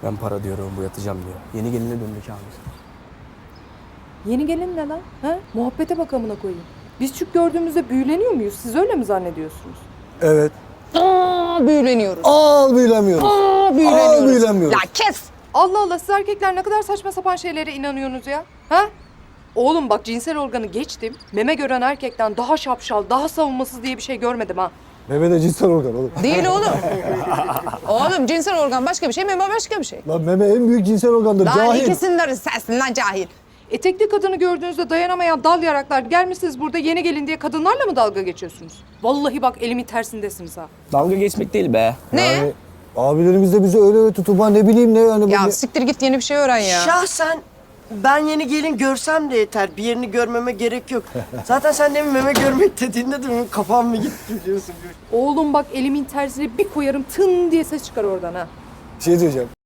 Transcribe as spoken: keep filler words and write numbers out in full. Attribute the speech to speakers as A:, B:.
A: Ben para diyorum, bu yatacağım diyor. Yeni geline döndük abi.
B: Yeni gelin ne lan? Ha? Muhabbete bak amına koyayım. Biz Türk gördüğümüzde büyüleniyor muyuz? Siz öyle mi zannediyorsunuz?
C: Evet.
D: Aa, büyüleniyoruz.
C: Aa büyülemiyoruz.
D: Aa, büyüleniyoruz.
C: Aa, büyüleniyoruz.
D: Ya kes.
B: Allah Allah, siz erkekler ne kadar saçma sapan şeylere inanıyorsunuz ya. Ha? Oğlum bak, cinsel organı geçtim. Meme gören erkekten daha şapşal, daha savunmasız diye bir şey görmedim ha.
C: Meme de cinsel organ oğlum.
D: Değil oğlum. Oğlum cinsel organ başka bir şey, meme başka bir şey.
C: Lan meme en büyük cinsel organdır.
D: Lan
C: Cahil.
D: ikisinden sensin lan cahil.
B: Etekli kadını gördüğünüzde dayanamayan dal yaraklar gelmişsiniz burada yeni gelin diye kadınlarla mı dalga geçiyorsunuz? Vallahi bak, elimin tersindesiniz ha.
A: Dalga geçmek değil be.
D: Ne?
C: Yani abilerimiz de bizi öyle öyle tutup ne bileyim ne yani.
D: Ya
C: böyle-
D: siktir git yeni bir şey öğren ya.
E: Şahsen ben yeni gelin görsem de yeter. Bir yerini görmeme gerek yok. Zaten sen demin meme görmek dediğinde de benim kafam mı gitti biliyorsun.
B: Oğlum bak, elimin tersine bir koyarım tın diye ses çıkar oradan ha.
C: Bir şey diyeceğim.